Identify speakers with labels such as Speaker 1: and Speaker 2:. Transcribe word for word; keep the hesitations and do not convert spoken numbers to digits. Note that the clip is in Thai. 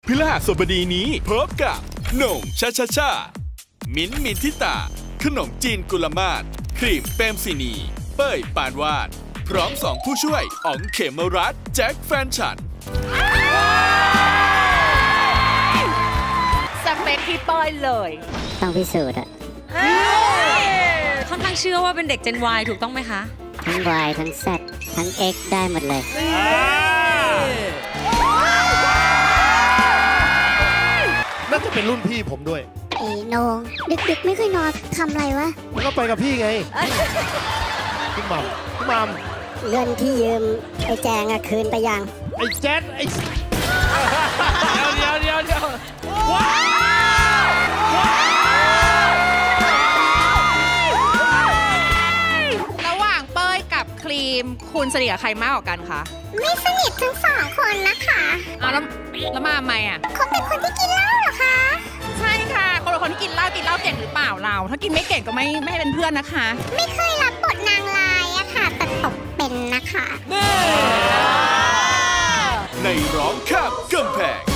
Speaker 1: พฤหัสบดีนี้พบกับโหน่งชาชาชามิ้นท์มินทิตาขนมจีนกุลมาศครีมเปรมศินี เป้ยปานวาด พร้อมสองผู้ช่วยอ๋องเขมรัตน์แจ็คแฟนฉัน
Speaker 2: สเปคพี่ป้อยเลย
Speaker 3: ต้องพิสูจน์อะ
Speaker 4: ค่อนข้างเชื่อว่าเป็นเด็ก Gen Y ถูกต้องไหมคะ
Speaker 3: ทั้ง Y ทั้ง Z ทั้ง X ได้หมดเลย
Speaker 5: น่าจะเป็นรุ่นพี่ผมด้วย
Speaker 3: ไอ้โหนงดึกๆไม่ค่อยนอนทำอะไรวะ
Speaker 5: แล้วก็ไปกับพี่ไง พี่หมัมพี่หมัม
Speaker 3: เงินที่ยืมไอ้แจงอะคืนไปยัง
Speaker 5: ไอ้แจ๊ดไอ้
Speaker 6: เดี๋ยวเดี๋ยวเดี๋ยวระหว่างเป้ยกับครีมคุณสนิทกับใครมากกว่ากันคะ
Speaker 3: ไม่สนิททั้งสองคนนะคะ
Speaker 6: อ้าวแล้วแล้วมาทำไมอ่ะ
Speaker 3: เขาเป็นคนที่กินเหล้าเหรอคะ
Speaker 6: ใช่ค่ะ คนละคนที่กินเหล้ากินเหล้าเก่งหรือเปล่าเรา ถ้ากินไม่เก่งก็ไม่ไม่ให้เป็นเพื่อนนะคะ
Speaker 3: ไม่เคยรับบทนางร้ายอะค่ะ แต่ตกเป็นนะคะ
Speaker 1: ในร้องข้ามกำแพง